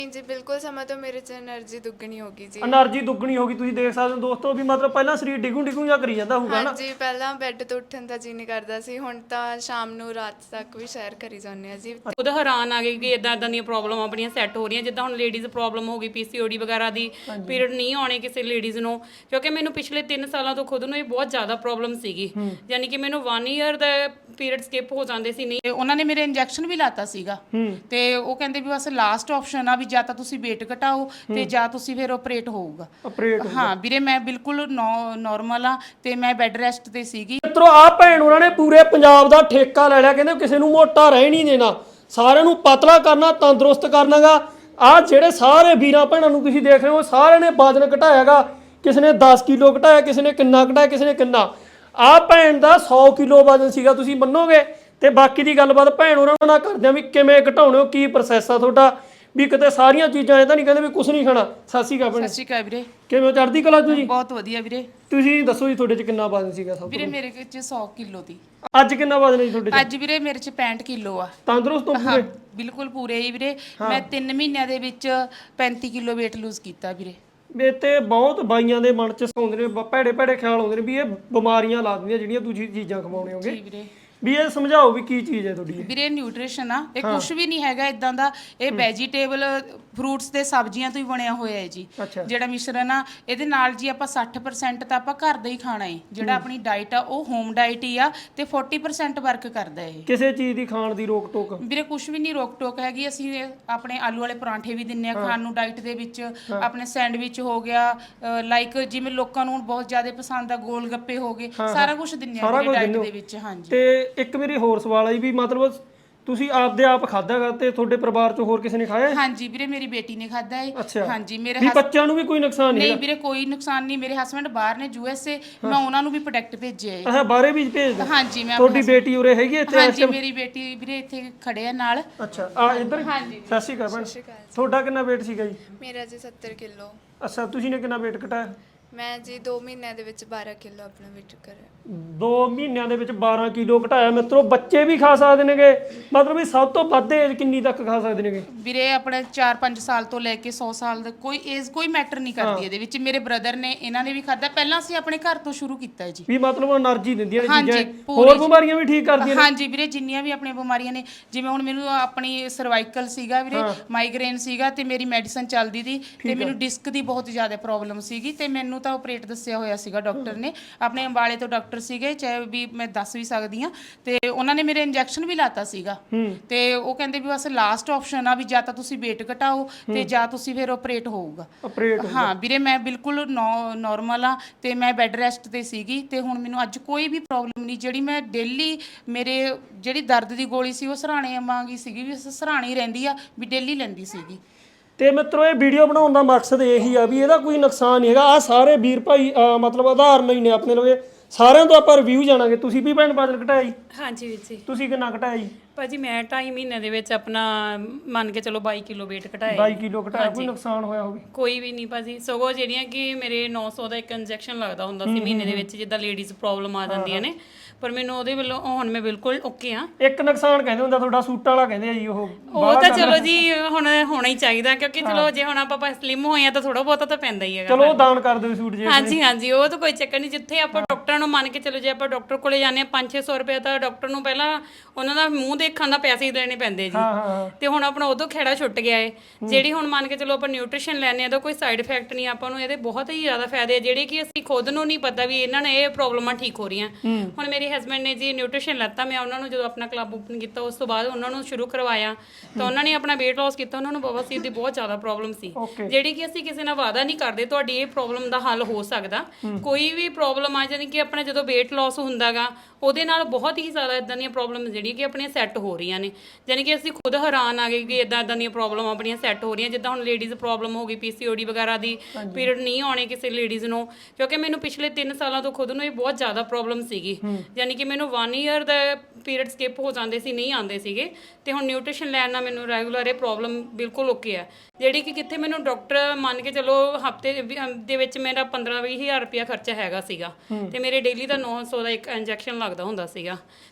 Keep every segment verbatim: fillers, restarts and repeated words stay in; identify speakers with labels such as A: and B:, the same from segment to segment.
A: जी बिल्कुल समय तो मेरे च एनर्जी दुगनी होगी जी।
B: એનર્ਜੀ ਦੁੱਗਣੀ ਹੋ ਗਈ। ਤੁਸੀਂ ਦੇਖ ਸਕਦੇ ਹੋ ਦੋਸਤੋ ਵੀ ਮਤਲਬ ਪਹਿਲਾਂ ਸਰੀਰ ਡਿਗੂ ਡਿਗੂ ਜਾਂ ਕਰੀ ਜਾਂਦਾ ਹੋਊਗਾ ਨਾ।
A: हाँ जी पहला बैड तो उठन का जी नहीं करता सी, हुण तां शाम ਨੂੰ ਰਾਤ ਤੱਕ ਵੀ ਸੈਰ ਕਰੀ ਜਾਂਦੇ ਆ ਜੀ।
C: ਖੁਦ ਹੈਰਾਨ ਆ ਗਏ ਕਿ ਇਦਾਂ ਇਦਾਂ ਦੀਆਂ ਪ੍ਰੋਬਲਮ ਆਪਣੀਆਂ ਸੈੱਟ ਹੋ ਰਹੀਆਂ। ਜਿੱਦਾਂ ਹੁਣ ਲੇਡੀਜ਼ ਪ੍ਰੋਬਲਮ ਹੋ ਗਈ ਪੀਸੀਓਡੀ ਵਗੈਰਾ ਦੀ, ਪੀਰੀਅਡ ਨਹੀਂ ਆਉਣੇ ਕਿਸੇ ਲੇਡੀਜ਼ ਨੂੰ, ਕਿਉਂਕਿ ਮੈਨੂੰ ਪਿਛਲੇ ਤਿੰਨ ਸਾਲਾਂ ਤੋਂ ਖੁਦ ਨੂੰ ਇਹ ਬਹੁਤ ਜ਼ਿਆਦਾ ਪ੍ਰੋਬਲਮ ਸੀਗੀ। ਯਾਨੀ ਕਿ ਮੈਨੂੰ ਵਨ ਈਅਰ ਦਾ ਪੀਰੀਅਡ ਸਕਿਪ ਹੋ ਜਾਂਦੇ ਸੀ। ਨਹੀਂ
D: ਉਹਨਾਂ ਨੇ ਮੇਰੇ ਇੰਜੈਕਸ਼ਨ ਵੀ ਲਾਤਾ ਸੀਗਾ ਤੇ ਉਹ ਕਹਿੰਦੇ ਵੀ ਬਸ ਲਾਸਟ ਆਪਸ਼ਨ ਆ ਵੀ ਜਾਂ ਤਾਂ ਤੁਸੀਂ weight ਘਟਾਓ ਤੇ ਜਾਂ ਤੁਸੀਂ ਫਿਰ ਆਪਰੇਟ ਹੋਊਗਾ।
B: ਆਪਰੇਟ
D: ਹਾਂ ਵੀਰੇ ਮੈਂ ਬਿਲਕੁਲ ਨਾਰਮਲ ਆ ਤੇ ਮੈਂ ਬੈੱਡ ਰੈਸਟ ਤੇ ਸੀਗੀ।
B: ਮਿੱਤਰੋ ਆ ਭੈਣ ਉਹਨਾਂ ਨੇ ਪੂਰੇ ਪੰਜਾਬ ਦਾ ਠੇਕਾ ਲੈ ਲਿਆ। ਕਹਿੰਦੇ ਕਿਸੇ ਨੂੰ ਮੋਟਾ ਰਹਿ ਨਹੀਂ ਦੇਣਾ, ਸਾਰਿਆਂ ਨੂੰ ਪਤਲਾ ਕਰਨਾ, ਤੰਦਰੁਸਤ ਕਰਨਾਗਾ। ਆ ਜਿਹੜੇ ਸਾਰੇ ਵੀਰਾਂ ਭੈਣਾਂ ਨੂੰ ਤੁਸੀਂ ਦੇਖ ਰਹੇ ਹੋ ਸਾਰਿਆਂ ਨੇ ਵਜ਼ਨ ਘਟਾਇਆਗਾ। ਕਿਸੇ ਨੇ ਦਸ ਕਿਲੋ ਘਟਾਇਆ, ਕਿਸੇ ਨੇ ਕਿੰਨਾ ਘਟਾਇਆ, ਕਿਸੇ ਨੇ ਕਿੰਨਾ। ਆ ਭੈਣ ਦਾ ਸੌ ਕਿਲੋ ਵਜ਼ਨ ਸੀਗਾ, ਤੁਸੀਂ ਮੰਨੋਗੇ। ਤੇ ਬਾਕੀ ਦੀ ਗੱਲਬਾਤ ਭੈਣ ਉਹਨਾਂ ਨਾਲ ਕਰਦੇ ਆ ਵੀ ਕਿਵੇਂ ਘਟਾਉਣੇ ਹੋ, ਕੀ ਪ੍ਰੋਸੈਸ ਆ ਤੁਹਾਡਾ, ਵੀ ਕਿਤੇ ਸਾਰੀਆਂ ਚੀਜ਼ਾਂ ਇਹ ਤਾਂ ਨਹੀਂ ਕਹਿੰਦੇ ਵੀ ਕੁਝ ਨਹੀਂ ਖਾਣਾ। ਸਤਿ ਸ਼੍ਰੀ ਅਕਾਲ ਭੈਣ।
D: ਸਤਿ ਸ਼੍ਰੀ ਅਕਾਲ ਵੀਰੇ।
B: ਕਿਵੇਂ ਚੜ੍ਹਦੀ ਕਲਾ ਤੁਸੀਂ?
D: ਬਹੁਤ ਵਧੀਆ ਵੀਰੇ।
B: ਤੁਸੀਂ ਦੱਸੋ ਜੀ ਤੁਹਾਡੇ ਚ ਕਿੰਨਾ ਵਜ਼ਨ ਸੀਗਾ? ਸਭ
D: ਵੀਰੇ ਮੇਰੇ ਵਿੱਚ ਸੌ ਕਿਲੋ ਦੀ।
B: ਅੱਜ ਕਿੰਨਾ ਵਜ਼ਨ ਹੈ ਜੀ ਤੁਹਾਡੇ ਚ?
D: ਅੱਜ ਵੀਰੇ ਮੇਰੇ ਚ ਪੈਂਹਠ ਕਿਲੋ ਆ।
B: ਤੰਦਰੁਸਤ ਹੋ ਪੂਰੇ?
D: ਬਿਲਕੁਲ ਪੂਰੇ ਹੀ ਵੀਰੇ। ਮੈਂ ਤਿੰਨ ਮਹੀਨਿਆਂ ਦੇ ਵਿੱਚ ਪੈਂਤੀ ਕਿਲੋ weight lose ਕੀਤਾ ਵੀਰੇ।
B: ਵੇ ਤੇ ਬਹੁਤ ਬਾਈਆਂ ਦੇ ਮਨ ਚ ਸੌਂਦੇ ਨੇ, ਭੈੜੇ ਭੈੜੇ ਖਿਆਲ ਆਉਂਦੇ ਨੇ ਵੀ ਇਹ ਬਿਮਾਰੀਆਂ ਲਾ ਦਿੰਦੀਆਂ ਜਿਹੜੀਆਂ ਤੁਸੀਂ ਚੀਜ਼ਾਂ ਖਵਾਉਣੇ ਹੋਗੇ।
D: ਜੀ ਵੀਰੇ।
B: ਵੀ ਇਹ ਸਮਝਾਓ ਵੀ ਕੀ ਚੀਜ਼ ਹੈ ਤੁਹਾਡੀ?
D: ਵੀਰੇ ਨਿਊਟ੍ਰੀਸ਼ਨ ਆ ਇਹ, ਕੁਝ ਵੀ ਨਹੀਂ ਹੈਗਾ ਇਦਾਂ ਦਾ। ਇਹ ਵੈਜੀਟੇਬਲ ਫਰੂਟਸ ਤੇ ਸਬਜ਼ੀਆਂ ਤੋਂ ਹੀ ਬਣਿਆ ਹੋਇਆ ਹੈ ਜੀ। ਜਿਹੜਾ ਮਿਸ਼ਰਣ ਆ ਇਹਦੇ ਨਾਲ ਜੀ ਆਪਾਂ ਸੱਠ ਪਰਸੈਂਟ ਤਾਂ ਆਪਾਂ ਘਰ ਦਾ ਹੀ ਖਾਣਾ ਹੈ। ਜਿਹੜਾ ਆਪਣੀ ਡਾਈਟ ਆ ਉਹ ਹੋਮ ਡਾਈਟ ਹੀ ਆ ਤੇ ਚਾਲੀ ਪਰਸੈਂਟ ਵਰਕ ਕਰਦਾ ਹੈ।
B: ਕਿਸੇ ਚੀਜ਼ ਦੀ ਖਾਣ ਦੀ ਰੋਕ ਟੋਕ?
D: ਵੀਰੇ ਕੁਝ ਵੀ ਨਹੀਂ ਰੋਕ ਟੋਕ ਹੈਗੀ। ਅਸੀਂ ਆਪਣੇ ਆਲੂ ਵਾਲੇ ਪਰਾਂਠੇ ਵੀ ਦਿੰਨੇ ਆ ਖਾਣ ਨੂੰ ਡਾਈਟ ਦੇ ਵਿੱਚ। ਆਪਣੇ ਸੈਂਡਵਿਚ ਹੋ ਗਿਆ, ਲਾਈਕ ਜਿਵੇਂ ਲੋਕਾਂ ਨੂੰ ਬਹੁਤ ਜ਼ਿਆਦਾ ਪਸੰਦ ਆ ਗੋਲ ਗੱਪੇ ਹੋ ਗਏ, ਸਾਰਾ ਕੁਝ ਦਿੰਨੇ ਆ ਵੀਰੇ ਡਾਈਟ ਦੇ ਵਿੱਚ। ਹਾਂਜੀ।
B: ਤੇ ਇੱਕ ਮੇਰੀ ਹੋਰ ਸਵਾਲ ਆਈ ਵੀ ਮਤਲਬ ਤੁਸੀਂ ਆਪਦੇ ਆਪ ਖਾਦਾਗਾ ਤੇ ਤੁਹਾਡੇ ਪਰਿਵਾਰ ਚੋਂ ਹੋਰ ਕਿਸੇ ਨੇ ਖਾਇਆ?
D: ਹਾਂਜੀ ਵੀਰੇ ਮੇਰੀ ਬੇਟੀ ਨੇ ਖਾਦਾ ਹੈ। ਹਾਂਜੀ ਮੇਰੇ
B: ਵੀ ਬੱਚਿਆਂ ਨੂੰ ਵੀ ਕੋਈ ਨੁਕਸਾਨ ਨਹੀਂ?
D: ਨਹੀਂ ਵੀਰੇ ਕੋਈ ਨੁਕਸਾਨ ਨਹੀਂ। ਮੇਰੇ ਹਸਬੰਡ ਬਾਹਰ ਨੇ ਯੂ ਐਸ ਏ, ਮੈਂ ਉਹਨਾਂ ਨੂੰ ਵੀ ਪ੍ਰੋਡਕਟ ਭੇਜਿਆ ਹੈ।
B: ਅੱਛਾ ਬਾਹਰੇ ਵੀ ਭੇਜਦੇ?
D: ਹਾਂਜੀ ਮੈਂ।
B: ਤੁਹਾਡੀ ਬੇਟੀ ਉਰੇ ਹੈਗੀ ਇੱਥੇ?
D: ਹਾਂਜੀ ਮੇਰੀ ਬੇਟੀ ਵੀਰੇ ਇੱਥੇ ਖੜੇ ਆ ਨਾਲ।
B: ਅੱਛਾ ਆ ਇੱਧਰ?
D: ਹਾਂਜੀ।
B: ਸਤਿ ਸ਼੍ਰੀ ਅਕਾਲ ਭੈਣ। ਤੁਹਾਡਾ ਕਿੰਨਾ weight ਸੀਗਾ ਜੀ?
A: ਮੇਰਾ ਜੀ ਸੱਤਰ ਕਿਲੋ।
B: ਅੱਛਾ ਤੁਸੀਂ ਨੇ ਕਿੰਨਾ weight ਘਟਾਇਆ?
A: ਮੈਂ ਜੀ ਦੋ ਮਹੀਨਿਆਂ ਦੇ ਵਿੱਚ ਬਾਰਾਂ ਕਿਲੋ ਆਪਣਾ weight ਕਰਿਆ।
B: ਦੋ ਮਹੀਨਿਆਂ ਦੇ ਵਿੱਚ ਬਾਰਾਂ ਕਿਲੋ ਘਟਾਇਆ। ਮਿੱਤਰੋ ਬੱਚੇ ਵੀ ਖਾ ਸਕਦੇ ਨੇਗੇ, ਮਤਲਬ ਵੀ ਸਭ ਤੋਂ ਵੱਧ ਏਜ ਕਿੰਨੀ ਤੱਕ ਖਾ ਸਕਦੇ ਨੇਗੇ?
D: ਵੀਰੇ ਆਪਣੇ ਚਾਰ ਪੰਜ ਸਾਲ ਤੋਂ ਲੈ ਕੇ ਸੌ ਸਾਲ ਦਾ ਕੋਈ ਏਜ ਕੋਈ ਮੈਟਰ ਨਹੀਂ ਕਰਦੀ ਇਹਦੇ ਵਿੱਚ। ਮੇਰੇ ਬ੍ਰਦਰ ਨੇ ਇਹਨਾਂ ਨੇ ਵੀ ਖਾਦਾ। ਪਹਿਲਾਂ ਅਸੀਂ ਆਪਣੇ ਘਰ ਤੋਂ ਸ਼ੁਰੂ ਕੀਤਾ ਹੈ ਜੀ।
B: ਵੀ ਮਤਲਬ એનર્ਜੀ ਦਿੰਦੀਆਂ ਨੇ
D: ਹਾਂਜੀ,
B: ਚੀਜ਼ਾਂ, ਹੋਰ ਬਿਮਾਰੀਆਂ ਵੀ ਠੀਕ ਕਰਦੀਆਂ ਨੇ?
D: ਹਾਂਜੀ ਵੀਰੇ ਜਿੰਨੀਆਂ ਵੀ ਆਪਣੀਆਂ ਬਿਮਾਰੀਆਂ ਨੇ, ਜਿਵੇਂ ਹੁਣ ਮੈਨੂੰ ਆਪਣੀ ਸਰਵਾਈਕਲ ਸੀਗਾ ਵੀਰੇ, ਮਾਈਗ੍ਰੇਨ ਸੀਗਾ ਤੇ ਮੇਰੀ ਮੈਡੀਸਨ ਚੱਲਦੀ ਸੀ ਤੇ ਮੈਨੂੰ ਡਿਸਕ ਦੀ ਬਹੁਤ ਜ਼ਿਆਦਾ ਪ੍ਰੋਬਲਮ ਸੀਗੀ ਤੇ ਮੈਨੂੰ ਤਾਂ ਆਪਰੇਟ ਦੱਸਿਆ ਹੋਇਆ ਸੀਗਾ ਡਾਕਟਰ ਨੇ। ਆਪਣੇ ਅੰਬਾਲੇ ਤੋਂ ਡਾਕਟਰ ਸੀਗੇ, ਚਾਹੇ ਵੀ ਮੈਂ ਦੱਸ ਵੀ ਸਕਦੀ ਆ। ਤੇ ਉਹਨਾਂ ਨੇ ਮੇਰੇ ਇੰਜੈਕਸ਼ਨ ਵੀ ਲਾਤਾ ਸੀਗਾ ਤੇ ਉਹ ਕਹਿੰਦੇ ਵੀ ਬਸ ਲਾਸਟ ਆਪਸ਼ਨ ਆ ਵੀ ਜਾਂ ਤਾਂ ਤੁਸੀਂ weight ਘਟਾਓ ਤੇ ਜਾਂ ਤੁਸੀਂ ਫਿਰ ਆਪਰੇਟ ਹੋਊਗਾ।
B: ਆਪਰੇਟ?
D: ਹਾਂ ਵੀਰੇ ਮੈਂ ਬਿਲਕੁਲ ਨਾਰਮਲ ਆ ਤੇ ਮੈਂ ਬੈੱਡ ਰੈਸਟ ਤੇ ਸੀਗੀ ਤੇ ਹੁਣ ਮੈਨੂੰ ਅੱਜ ਕੋਈ ਵੀ ਪ੍ਰੋਬਲਮ ਨਹੀਂ। ਜਿਹੜੀ ਮੈਂ ਡੇਲੀ ਮੇਰੇ ਜਿਹੜੀ ਦਰਦ ਦੀ ਗੋਲੀ ਸੀ ਉਹ ਸਰਾਣੇ ਵਾਂਗੀ ਸੀਗੀ, ਵੀ ਸਰਾਣੇ ਹੀ ਰਹਿੰਦੀ ਆ, ਵੀ ਡੇਲੀ ਲੈਂਦੀ ਸੀਗੀ।
B: ਤੇ ਮਿੱਤਰੋ ਇਹ ਵੀਡੀਓ ਬਣਾਉਣ ਦਾ ਮਕਸਦ ਇਹੀ ਆ ਵੀ ਇਹਦਾ ਕੋਈ ਨੁਕਸਾਨ ਨਹੀਂ ਹੈਗਾ। ਆ ਸਾਰੇ ਵੀਰ ਭਾਈ ਮਤਲਬ ਆਧਾਰਨ ਹੀ ਨੇ ਆਪਣੇ ਲਵੇ। ਸਾਰਿਆਂ ਤੋਂ ਆਪਾਂ ਰਿਵਿਊ ਜਾਣਾਂਗੇ। ਤੁਸੀਂ ਵੀ ਭੈਣ ਵਜ਼ਨ ਘਟਾਇਆ ਜੀ?
C: ਹਾਂਜੀ ਵੀਰ ਜੀ।
B: ਤੁਸੀਂ ਕਿੰਨਾ ਘਟਾਇਆ ਜੀ?
C: ਭਾਜੀ ਮੈਂ ਢਾਈ ਮਹੀਨੇ ਦੇ ਵਿੱਚ ਆਪਣਾ ਮੰਨ ਕੇ ਚਲੋ ਬਾਈ ਕਿਲੋ weight ਘਟਾਇਆ।
B: ਬਾਈ ਕਿਲੋ ਘਟਾਇਆ। ਕੋਈ ਨੁਕਸਾਨ ਹੋਇਆ ਹੋਵੇ?
C: ਕੋਈ ਵੀ ਨਹੀਂ ਭਾਜੀ। ਸਗੋਂ ਜਿਹੜੀਆਂ ਕਿ ਮੇਰੇ ਨੌ ਸੌ ਦਾ ਇੱਕ ਇੰਜੈਕਸ਼ਨ ਲੱਗਦਾ ਹੁੰਦਾ ਸੀ ਮਹੀਨੇ ਦੇ ਵਿੱਚ, ਜਿੱਦਾਂ ਲੇਡੀਜ਼ ਪ੍ਰੋਬਲਮ ਆ ਜਾਂਦੀਆਂ ਨੇ, ਪਰ ਮੈਨੂੰ ਉਹਦੇ ਵੱਲੋਂ ਹੁਣ ਮੈਂ ਬਿਲਕੁਲ ਓਕੇ ਆ।
B: ਇੱਕ ਨੁਕਸਾਨ ਕਹਿੰਦੇ ਹੁੰਦਾ ਤੁਹਾਡਾ ਸੂਟ ਵਾਲਾ ਕਹਿੰਦੇ ਆ ਜੀ, ਉਹ
C: ਉਹ ਤਾਂ ਚਲੋ ਜੀ ਹੁਣ ਹੋਣਾ ਹੀ ਚਾਹੀਦਾ, ਕਿਉਂਕਿ ਚਲੋ ਜੇ ਹੁਣ ਆਪਾਂ ਸਲਿਮ ਹੋਏ ਆ ਤਾਂ ਥੋੜਾ ਬਹੁਤਾ ਤਾਂ ਪੈਂਦਾ ਹੀ ਹੈਗਾ।
B: ਚਲੋ ਦਾਨ ਕਰ ਦਿਓ ਸੂਟ ਜੇ।
C: ਹਾਂਜੀ ਹਾਂਜੀ ਉਹ ਤਾਂ ਕੋਈ ਚੱਕਰ ਨਹੀਂ। ਜਿੱਥੇ ਆਪਾਂ ਡਾਕਟਰਾਂ ਨੂੰ ਮੰਨ ਕੇ ਚਲੋ, ਜੇ ਆਪਾਂ ਡਾਕਟਰ ਕੋਲੇ ਜਾਂਦੇ ਆ ਪੰਜ ਛੇ ਸੌ ਰੁਪਏ ਤਾਂ ਡਾਕਟਰ ਨੂੰ ਪਹਿਲਾਂ ਉਹਨਾਂ ਦਾ ਮੂੰਹ ਦੇਖਣ ਦਾ ਪੈਸੇ ਹੀ ਦੇਣੇ ਪੈਂਦੇ ਜੀ। ਤੇ ਹੁਣ ਆਪਣਾ ਉਦੋਂ ਖੇੜਾ ਛੁੱਟ ਗਿਆ ਏ। ਜਿਹੜੀ ਹੁਣ ਮੰਨ ਕੇ ਚਲੋ ਆਪਾਂ ਨਿਊਟ੍ਰੀਸ਼ਨ ਲੈਣੇ ਆ ਤਾਂ ਕੋਈ ਸਾਈਡ ਇਫੈਕਟ ਨਹੀਂ ਆਪਾਂ ਨੂੰ, ਇਹਦੇ ਬਹੁਤ ਹੀ ਜ਼ਿਆਦਾ ਫਾਇਦੇ ਆ ਜਿਹੜੇ ਕਿ ਅਸੀਂ ਖੁਦ ਨੂੰ ਨਹੀਂ ਪਤਾ ਵੀ ਇਹਨਾਂ ਨੇ ਇਹ ਪ੍ਰੋਬਲਮਾਂ ਠੀਕ ਹੋ ਰਹੀਆਂ। ਹੁਣ ਮੇਰੇ ਹਸਬੈਂਡ ਨੇ ਜੀ ਨਿਊਟ੍ਰੀਸ਼ਨ ਲੈਤਾ, ਮੈਂ ਉਹਨਾਂ ਨੂੰ ਜਦੋਂ ਆਪਣਾ ਕਲੱਬ ਓਪਨ ਕੀਤਾ ਉਸ ਤੋਂ ਬਾਅਦ ਉਹਨਾਂ ਨੂੰ ਸ਼ੁਰੂ ਕਰਵਾਇਆ ਤਾਂ ਉਹਨਾਂ ਨੇ ਆਪਣਾ weight loss ਕੀਤਾ। ਉਹਨਾਂ ਨੂੰ ਬਵਾਸੀਰ ਦੀ ਬਹੁਤ ਜ਼ਿਆਦਾ ਪ੍ਰੋਬਲਮ ਸੀ, ਜਿਹੜੀ ਕਿ ਅਸੀਂ ਕਿਸੇ ਨਾਲ ਵਾਅਦਾ ਨਹੀਂ ਕਰਦੇ ਤੁਹਾਡੀ ਇਹ ਪ੍ਰੋਬਲਮ ਦਾ ਹੱਲ ਹੋ ਸਕਦਾ। ਕੋਈ ਵੀ ਪ੍ਰੋਬਲਮ ਆ ਜਾਣੀ ਕਿ ਆਪਣਾ ਜਦੋਂ weight loss ਹੁੰਦਾਗਾ ਉਹਦੇ ਨਾਲ ਬਹੁਤ ਹੀ ਜ਼ਿਆਦਾ ਇਦਾਂ ਦੀਆਂ ਪ੍ਰੋਬਲਮ ਜਿਹੜੀਆਂ ਕਿ ਆਪਣੀਆਂ ਸੈੱਟ ਹੋ ਰਹੀਆਂ ਨੇ। ਯਾਨੀ ਕਿ ਅਸੀਂ ਖੁਦ ਹੈਰਾਨ ਆ ਗਏ ਕਿ ਇਦਾਂ ਇਦਾਂ ਦੀਆਂ ਪ੍ਰੋਬਲਮ ਆਪਣੀਆਂ ਸੈੱਟ ਹੋ ਰਹੀਆਂ। ਜਿੱਦਾਂ ਹੁਣ ਲੇਡੀਜ਼ ਪ੍ਰੋਬਲਮ ਹੋ ਗਈ ਪੀਸੀਓਡੀ ਵਗੈਰਾ ਦੀ, ਪੀਰੀਅਡ ਨਹੀਂ ਆਉਣੇ ਕਿਸੇ ਲੇਡੀਜ਼ ਨੂੰ, ਕਿਉਂਕਿ ਮੈਨੂੰ ਪਿਛਲੇ ਤਿੰਨ ਸਾਲਾਂ ਤੋਂ ਖੁਦ ਨੂੰ ਇਹ ਬਹੁਤ ਜ਼ਿਆਦਾ ਪ੍ਰੋਬਲਮ ਸੀਗੀ। ਯਾਨੀ ਕਿ ਮੈਨੂੰ ਵਨ ਈਅਰ ਦਾ ਪੀਰੀਅਡ ਸਕਿਪ ਹੋ ਜਾਂਦੇ ਸੀ, ਨਹੀਂ ਆਉਂਦੇ ਸੀਗੇ। ਤੇ ਹੁਣ ਨਿਊਟ੍ਰੀਸ਼ਨ ਲੈਣ ਨਾਲ ਮੈਨੂੰ ਰੈਗੂਲਰ ਇਹ ਪ੍ਰੋਬਲਮ ਬਿਲਕੁਲ ਓਕੇ ਆ, ਜਿਹੜੀ ਕਿ ਕਿੱਥੇ ਮੈਨੂੰ ਡਾਕਟਰ ਮੰਨ ਕੇ ਚਲੋ ਹਫਤੇ ਦੇ ਵਿੱਚ ਮੇਰਾ ਪੰਦਰਾਂ ਵੀਹ ਹਜ਼ਾਰ ਰੁਪਇਆ ਖਰਚਾ ਹੈਗਾ ਸੀਗਾ ਤੇ ਮੇਰੇ ਡੇਲੀ ਦਾ ਨੌ ਸੌ ਦਾ ਇੱਕ ਇੰਜੈਕਸ਼ਨ ਲੱਗਦਾ ਹੁੰਦਾ ਸੀਗਾ।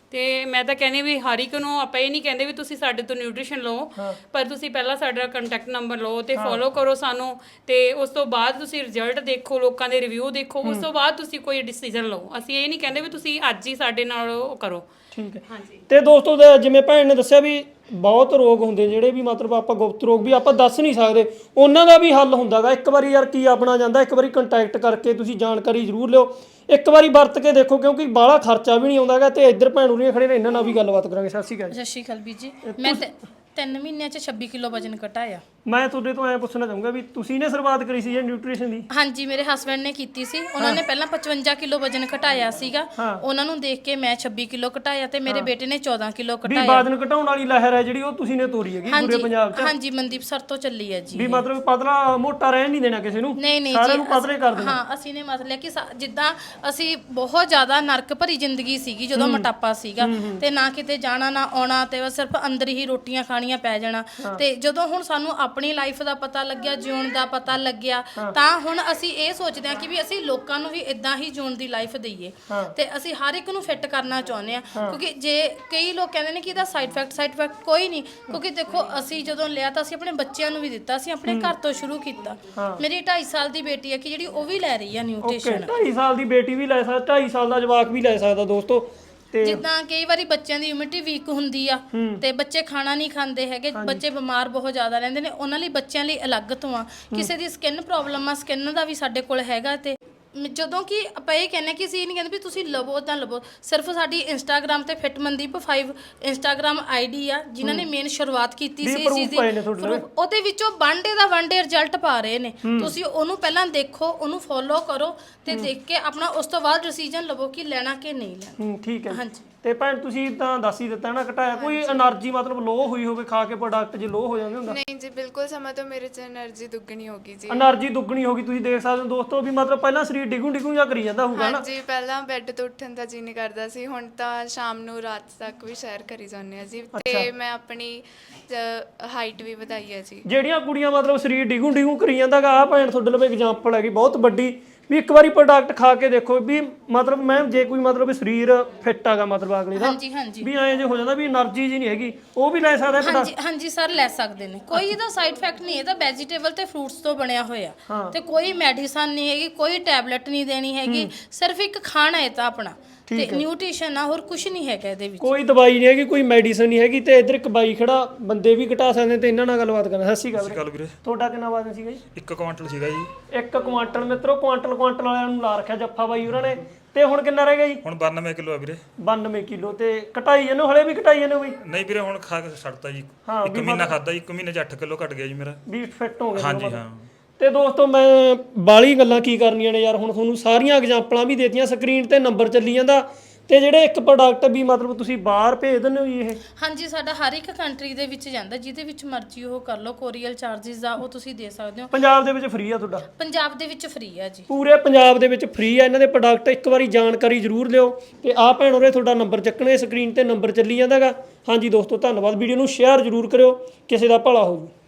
C: ਤੇ ਮੈਂ ਤਾਂ ਕਹਿੰਦੀ ਵੀ ਹਰ ਇੱਕ ਨੂੰ ਆਪਾਂ ਇਹ ਨਹੀਂ ਕਹਿੰਦੇ ਵੀ ਤੁਸੀਂ ਸਾਡੇ ਤੋਂ ਨਿਊਟ੍ਰੀਸ਼ਨ ਲਓ, ਪਰ ਤੁਸੀਂ ਪਹਿਲਾਂ ਸਾਡਾ ਕੰਟੈਕਟ ਨੰਬਰ ਲਓ ਤੇ ਫੋਲੋ ਕਰੋ ਸਾਨੂੰ, ਤੇ ਉਸ ਤੋਂ ਬਾਅਦ ਤੁਸੀਂ ਰਿਜ਼ਲਟ ਦੇਖੋ, ਲੋਕਾਂ ਦੇ ਰਿਵਿਊ ਦੇਖੋ, ਉਸ ਤੋਂ ਬਾਅਦ ਤੁਸੀਂ ਕੋਈ ਡਿਸੀਜਨ ਲਓ। ਅਸੀਂ ਇਹ ਨਹੀਂ ਕਹਿੰਦੇ ਵੀ ਤੁਸੀਂ ਅੱਜ ਹੀ ਸਾਡੇ ਨਾਲ ਉਹ ਕਰੋ।
B: ਠੀਕ ਹੈ। ਤੇ ਦੋਸਤੋ ਦੇ ਜਿਵੇਂ ਭੈਣ ਨੇ ਦੱਸਿਆ ਵੀ ਬਹੁਤ ਰੋਗ ਹੁੰਦੇ ਜਿਹੜੇ ਵੀ ਮਤਲਬ ਆਪਾਂ ਗੁਪਤ ਰੋਗ ਵੀ ਆਪਾਂ ਦੱਸ ਨਹੀਂ ਸਕਦੇ, ਉਹਨਾਂ ਦਾ ਵੀ ਹੱਲ ਹੁੰਦਾਗਾ। ਇੱਕ ਵਾਰੀ ਯਾਰ ਕੀ ਆਪਣਾ ਜਾਂਦਾ, ਇੱਕ ਵਾਰੀ ਕੰਟੈਕਟ ਕਰਕੇ ਤੁਸੀਂ ਜਾਣਕਾਰੀ ਜ਼ਰੂਰ ਲਿਓ, ਇੱਕ ਵਾਰੀ ਵਰਤ ਕੇ ਦੇਖੋ, ਕਿਉਂਕਿ ਬਾਹਲਾ ਖਰਚਾ ਵੀ ਨਹੀਂ ਆਉਂਦਾਗਾ। ਤੇ ਇੱਧਰ ਭੈਣ ਉਰੀਆਂ ਖੜੇ ਨੇ, ਇਹਨਾਂ ਨਾਲ ਵੀ ਗੱਲਬਾਤ ਕਰਾਂਗੇ। ਸਤਿ ਸ਼੍ਰੀ ਅਕਾਲ।
E: ਸਤਿ ਸ਼੍ਰੀ ਅਕਾਲ ਵੀਰ ਜੀ। ਮੈਂ ਤੇ ਤਿੰਨ ਮਹੀਨਿਆਂ ਚ ਛੱਬੀ ਕਿਲੋ ਵਜਨ ਘਟਾਇਆ।
B: ਮੈਂ ਤੁਹਾਡੇ ਤੋਂ ਐ ਪੁੱਛਣਾ ਚਾਹੂੰਗਾ ਵੀ ਤੁਸੀਂ ਨੇ ਸ਼ੁਰੂਆਤ ਕਰੀ ਸੀ ਇਹ ਨਿਊਟ੍ਰੀਸ਼ਨ ਦੀ?
E: ਹਾਂਜੀ, ਮੇਰੇ ਹਸਬੰਡ ਨੇ ਕੀਤੀ ਸੀ। ਉਹਨਾਂ ਨੇ ਪਹਿਲਾਂ ਪਚਵੰਜਾ ਕਿਲੋ ਵਜਨ ਘਟਾਇਆ ਸੀਗਾ, ਉਹਨਾਂ ਨੂੰ ਦੇਖ ਕੇ ਮੈਂ ਛੱਬੀ ਕਿਲੋ ਘਟਾਇਆ ਤੇ ਮੇਰੇ ਬੇਟੇ ਨੇ ਚੌਦਾਂ ਕਿਲੋ
B: ਵੀ
E: ਘਟਾਇਆ।
B: ਵਜਨ ਘਟਾਉਣ ਵਾਲੀ ਲਹਿਰ ਹੈ ਜਿਹੜੀ ਉਹ ਤੁਸੀਂ ਨੇ ਤੋਰੀ ਹੈਗੀ ਪੂਰੇ ਪੰਜਾਬ 'ਚ?
E: ਹਾਂਜੀ, ਮਨਦੀਪ ਸਰ ਤੋਂ ਚੱਲੀ ਹੈ ਜੀ।
B: ਵੀ ਮਤਲਬ ਪਤਲਾ ਮੋਟਾ ਰਹਿਣ ਨਹੀਂ ਦੇਣਾ ਕਿਸੇ ਨੂੰ,
E: ਨਹੀਂ ਨਹੀਂ
B: ਸਾਰਿਆਂ
E: ਜੀ,
B: ਨੂੰ ਪਤਲੇ ਕਰ ਦੇਣਾ।
E: ਹਾਂ, ਅਸੀਂ ਨੇ ਮਤਲਬ ਕਿ ਸਾ- ਜਿੱਦਾਂ ਅਸੀਂ ਬਹੁਤ ਜ਼ਿਆਦਾ ਨਰਕ ਭਰੀ ਜ਼ਿੰਦਗੀ ਸੀਗੀ ਜਦੋਂ ਮੋਟਾਪਾ ਸੀਗਾ, ਤੇ ਨਾ ਕਿਤੇ ਜਾਣਾ ਨਾ ਆਉਣਾ, ਤੇ ਬਸ ਸਿਰਫ ਅੰਦਰ ਹੀ ਰੋਟੀਆਂ ਖਾਣੀਆਂ ਪੈ ਜਾਣਾ। ਤੇ ਜਦੋਂ ਹੁਣ ਸਾਨੂੰ ਆਪਣੀ ਲਾਈਫ ਦਾ ਪਤਾ ਲੱਗਿਆ, ਜਿਉਣ ਦਾ ਪਤਾ ਲੱਗਿਆ, ਤਾਂ ਹੁਣ ਅਸੀਂ ਇਹ ਸੋਚਦੇ ਹਾਂ ਕਿ ਵੀ ਅਸੀਂ ਲੋਕਾਂ ਨੂੰ ਵੀ ਇਦਾਂ ਹੀ ਜਿਉਣ ਦੀ ਲਾਈਫ ਦਈਏ, ਤੇ ਅਸੀਂ ਹਰ ਇੱਕ ਨੂੰ ਫਿੱਟ ਕਰਨਾ ਚਾਹੁੰਦੇ ਆ। ਕਿਉਂਕਿ ਜੇ ਕਈ ਲੋਕ ਕਹਿੰਦੇ ਨੇ ਕਿ ਇਹਦਾ ਸਾਈਡ ਇਫੈਕਟ ਸਾਈਡ ਇਫੈਕਟ ਕੋਈ ਨਹੀਂ, ਕਿਉਂਕਿ ਦੇਖੋ ਅਸੀਂ ਜਦੋਂ ਲਿਆ ਤਾਂ ਅਸੀਂ ਆਪਣੇ ਬੱਚਿਆਂ ਨੂੰ ਵੀ ਦਿੱਤਾ, ਅਸੀਂ ਆਪਣੇ ਘਰ ਤੋਂ ਸ਼ੁਰੂ ਕੀਤਾ। ਮੇਰੀ ਢਾਈ ਸਾਲ ਦੀ ਬੇਟੀ ਹੈ ਕਿ ਜਿਹੜੀ ਉਹ ਵੀ ਲੈ ਰਹੀ ਆ ਨਿਊਟ੍ਰੀਸ਼ਨ।
B: ਢਾਈ ਸਾਲ ਦੀ ਬੇਟੀ ਵੀ ਲੈ ਸਕਦਾ, ਢਾਈ ਸਾਲ ਦਾ ਜਵਾਕ ਵੀ ਲੈ ਸਕਦਾ ਦੋਸਤੋ। ਤੇ
E: ਜਿੱਦਾਂ ਕਈ ਵਾਰੀ ਬੱਚਿਆਂ ਦੀ ਇਮਿਊਨਿਟੀ ਵੀਕ ਹੁੰਦੀ ਆ ਤੇ ਬੱਚੇ ਖਾਣਾ ਨਹੀਂ ਖਾਂਦੇ ਹੈਗੇ, ਬੱਚੇ ਬਿਮਾਰ ਬਹੁਤ ਜ਼ਿਆਦਾ ਰਹਿੰਦੇ ਨੇ, ਉਹਨਾਂ ਲਈ ਬੱਚਿਆਂ ਲਈ ਅਲੱਗ ਤੋਂ ਆ। ਕਿਸੇ ਦੀ ਸਕਿਨ ਪ੍ਰੋਬਲਮ ਆ, ਸਕਿਨ ਦਾ ਵੀ ਸਾਡੇ ਕੋਲ ਹੈਗਾ। ਤੇ ਜਦੋਂ ਕਿ ਆਪਾਂ ਇਹ ਕਹਿੰਦੇ ਕਿ ਅਸੀਂ ਇਹ ਨਹੀਂ ਕਹਿੰਦੇ ਵੀ ਤੁਸੀਂ ਲਵੋ ਤਾਂ ਲਵੋ, ਸਿਰਫ ਸਾਡੀ ਇੰਸਟਾਗ੍ਰਾਮ ਤੇ ਫਿਟ ਮਨਦੀਪ ਪੰਜ ਇੰਸਟਾਗ੍ਰਾਮ ਆਈਡੀ ਆ, ਜਿਨ੍ਹਾਂ ਨੇ ਮੇਨ ਸ਼ੁਰੂਆਤ ਕੀਤੀ ਸੀ ਇਸ ਚੀਜ਼ ਦੀ। ਉਹਦੇ ਵਿੱਚੋਂ ਵਨ ਡੇ ਦਾ ਵਨ ਡੇ ਰਿਜ਼ਲਟ ਪਾ ਰਹੇ ਨੇ। ਤੁਸੀਂ ਉਹਨੂੰ ਪਹਿਲਾਂ ਦੇਖੋ, ਉਹਨੂੰ ਫੋਲੋ ਕਰੋ, ਤੇ ਦੇਖ ਕੇ ਆਪਣਾ ਉਸ ਤੋਂ ਬਾਅਦ ਡਿਸੀਜਨ ਲਵੋ ਕਿ ਲੈਣਾ ਕਿ ਨਹੀਂ ਲੈਣਾ।
B: ਠੀਕ ਹੈ।
E: ਹਾਂਜੀ।
B: ਤੇ ਭੈਣ ਤੁਸੀਂ ਤਾਂ ਦੱਸ ਹੀ ਦਿੱਤਾ ਨਾ ਘਟਾਇਆ, ਕੋਈ એનર્ਜੀ ਮਤਲਬ ਲੋ ਹੋਈ ਹੋਵੇ ਖਾ ਕੇ ਪ੍ਰੋਡਕਟ ਜੇ ਲੋ ਹੋ ਜਾਂਦੇ ਹੁੰਦਾ?
A: ਨਹੀਂ ਜੀ, ਬਿਲਕੁਲ ਸਮਾਂ ਤੋਂ ਮੇਰੇ 'ਚ એનર્ਜੀ ਦੁੱਗਣੀ ਹੋ ਗਈ ਜੀ।
B: એનર્ਜੀ ਦੁੱਗਣੀ ਹੋ ਗਈ, ਤੁਸੀਂ ਦੇਖ ਸਕਦੇ ਹੋ ਦੋਸਤੋ ਵੀ ਮਤਲਬ ਪਹਿਲਾਂ ਸਰੀਰ ਡਿਗੂ ਡਿਗੂ ਜਾਂ ਕਰੀ ਜਾਂਦਾ ਹੋਊਗਾ ਨਾ?
A: ਹਾਂਜੀ, ਪਹਿਲਾਂ ਬੈੱਡ ਤੋਂ ਉੱਠਣ ਦਾ ਜੀ ਨਹੀਂ ਕਰਦਾ ਸੀ, ਹੁਣ ਤਾਂ ਸ਼ਾਮ ਨੂੰ ਰਾਤ ਤੱਕ ਵੀ ਸੈਰ ਕਰੀ ਜਾਂਦੇ ਆ ਜੀ। ਤੇ ਮੈਂ ਆਪਣੀ ਹਾਈਟ ਵੀ ਵਧਾਈ ਹੈ ਜੀ।
B: ਜਿਹੜੀਆਂ ਕੁੜੀਆਂ ਮਤਲਬ ਸਰੀਰ ਡਿਗੂ ਡਿਗੂ ਕਰੀ ਜਾਂਦਾਗਾ, ਆ ਭੈਣ ਤੁਹਾਡੇ ਲਈ ਐਗਜ਼ਾਮਪਲ ਹੈਗੀ ਬਹੁਤ ਵੱਡੀ, ਵੀ ਇੱਕ ਵਾਰੀ ਪ੍ਰੋਡਕਟ ਖਾ ਕੇ ਦੇਖੋ ਵੀ ਮਤਲਬ ਮੈਂ ਜੇ ਕੋਈ ਮਤਲਬ ਸਰੀਰ ਫਿੱਟ ਆਗਾ ਮਤਲਬ ਅਗਲੇ ਦਾ,
E: ਹਾਂਜੀ ਹਾਂਜੀ
B: ਵੀ ਐਂ ਜੇ ਹੋ ਜਾਂਦਾ ਵੀ એનર્ਜੀ ਜੀ ਨਹੀਂ ਹੈਗੀ, ਉਹ ਵੀ ਲੈ ਸਕਦਾ ਹੈ?
E: ਹਾਂਜੀ ਹਾਂਜੀ ਸਰ, ਲੈ ਸਕਦੇ ਨੇ। ਕੋਈ ਇਹਦਾ ਸਾਈਡ ਇਫੈਕਟ ਨਹੀਂ, ਇਹਦਾ ਵੈਜੀਟੇਬਲ ਤੇ ਫਰੂਟਸ ਤੋਂ ਬਣਿਆ ਹੋਇਆ, ਤੇ ਕੋਈ ਮੈਡੀਸਨ ਨਹੀਂ ਹੈਗੀ, ਕੋਈ ਟੈਬਲੇਟ ਨਹੀਂ ਦੇਣੀ ਹੈਗੀ, ਸਿਰਫ ਇੱਕ ਖਾਣਾ ਹੈ ਤਾਂ ਆਪਣਾ, ਤੇ ਨਿਊਟ੍ਰੀਸ਼ਨ ਆ, ਹੋਰ ਕੁਝ ਨਹੀਂ ਹੈਗਾ ਇਹਦੇ ਵਿੱਚ।
B: ਕੋਈ ਦਵਾਈ ਨਹੀਂ ਹੈਗੀ, ਕੋਈ ਮੈਡੀਸਨ ਨਹੀਂ ਹੈਗੀ। ਤੇ ਇੱਧਰ ਇੱਕ ਬਾਈ ਖੜਾ, ਬੰਦੇ ਵੀ ਘਟਾ ਸਕਦੇ ਤੇ ਇਹਨਾਂ ਨਾਲ ਗੱਲਬਾਤ ਕਰਨਾ। ਸਤਿ ਸ਼੍ਰੀ ਅਕਾਲ ਵੀਰੇ। ਤੁਹਾਡਾ ਕਿੰਨਾ ਵਜ਼ਨ ਸੀਗਾ ਜੀ?
F: ਇੱਕ ਕੁਆਂਟਲ ਸੀਗਾ ਜੀ।
B: ਇੱਕ ਕੁਆਂਟਲ ਮਿੱਤਰੋ, ਕੁਆਂਟਲ ਕੁਆਂਟਲ ਵਾਲਿਆਂ ਨੂੰ ਲਾ ਰੱਖਿਆ ਜੱਫਾ ਬਾਈ ਉਹਨਾਂ ਨੇ। ਤੇ ਹੁਣ ਕਿੰਨਾ ਰਹਿ ਗਿਆ ਜੀ?
F: ਹੁਣ ਬਾਨਵੇਂ ਕਿਲੋ ਆ ਵੀਰੇ।
B: ਬਾਨਵੇਂ ਕਿਲੋ। ਤੇ ਘਟਾਈ ਇਹਨੂੰ ਹਲੇ ਵੀ ਘਟਾਈ ਇਹਨੂੰ ਵੀ?
F: ਨਹੀਂ ਵੀਰੇ, ਹੁਣ ਖਾ ਕੇ ਛੱਡਤਾ ਜੀ। ਇੱਕ ਮਹੀਨਾ ਖਾਦਾ ਜੀ, ਇੱਕ ਮਹੀਨੇ ਚ ਅੱਠ ਕਿਲੋ ਘਟ ਗਿਆ ਜੀ ਮੇਰਾ।
B: ਵੀ ਫਿੱਟ ਹੋ ਗਿਆ?
F: ਹਾਂਜੀ ਹਾਂ।
B: ਤੇ ਦੋਸਤੋ ਮੈਂ ਬਾਲੀ ਗੱਲਾਂ ਕੀ ਕਰਨੀਆਂ ਨੇ ਯਾਰ, ਹੁਣ ਤੁਹਾਨੂੰ ਸਾਰੀਆਂ ਐਗਜ਼ਾਮਪਲਾਂ ਵੀ ਦੇਤੀਆਂ, ਸਕਰੀਨ ਤੇ ਨੰਬਰ ਚੱਲੀ ਜਾਂਦਾ। ਤੇ ਜਿਹੜੇ ਇੱਕ ਪ੍ਰੋਡਕਟ ਵੀ ਮਤਲਬ ਤੁਸੀਂ ਬਾਹਰ ਭੇਜ ਦਿੰਦੇ ਹੋ ਜੀ ਇਹ?
E: ਹਾਂਜੀ, ਸਾਡਾ ਹਰ ਇੱਕ ਕੰਟਰੀ ਦੇ ਵਿੱਚ ਜਾਂਦਾ, ਜਿਹਦੇ ਵਿੱਚ ਮਰਜ਼ੀ ਉਹ ਕਰ ਲਓ। ਕੋਰੀਅਰ ਚਾਰजेस ਆ ਉਹ ਤੁਸੀਂ ਦੇ ਸਕਦੇ ਹੋ।
B: ਪੰਜਾਬ ਦੇ ਵਿੱਚ ਫ੍ਰੀ ਆ ਤੁਹਾਡਾ?
E: ਪੰਜਾਬ ਦੇ ਵਿੱਚ ਫ੍ਰੀ ਆ ਜੀ,
B: ਪੂਰੇ ਪੰਜਾਬ ਦੇ ਵਿੱਚ ਫ੍ਰੀ ਆ ਇਹਨਾਂ ਦੇ ਪ੍ਰੋਡਕਟ। ਇੱਕ ਵਾਰੀ ਜਾਣਕਾਰੀ ਜ਼ਰੂਰ ਲਿਓ। ਤੇ ਆਹ ਭੈਣ ਹੋਰੇ ਤੁਹਾਡਾ ਨੰਬਰ ਚੱਕਣੇ, ਸਕਰੀਨ ਤੇ ਨੰਬਰ ਚੱਲੀ ਜਾਂਦਾਗਾ। ਹਾਂਜੀ ਦੋਸਤੋ, ਧੰਨਵਾਦ। ਵੀਡੀਓ ਨੂੰ ਸ਼ੇਅਰ ਜ਼ਰੂਰ ਕਰਿਓ, ਕਿਸੇ ਦਾ ਭਲਾ ਹੋਊ।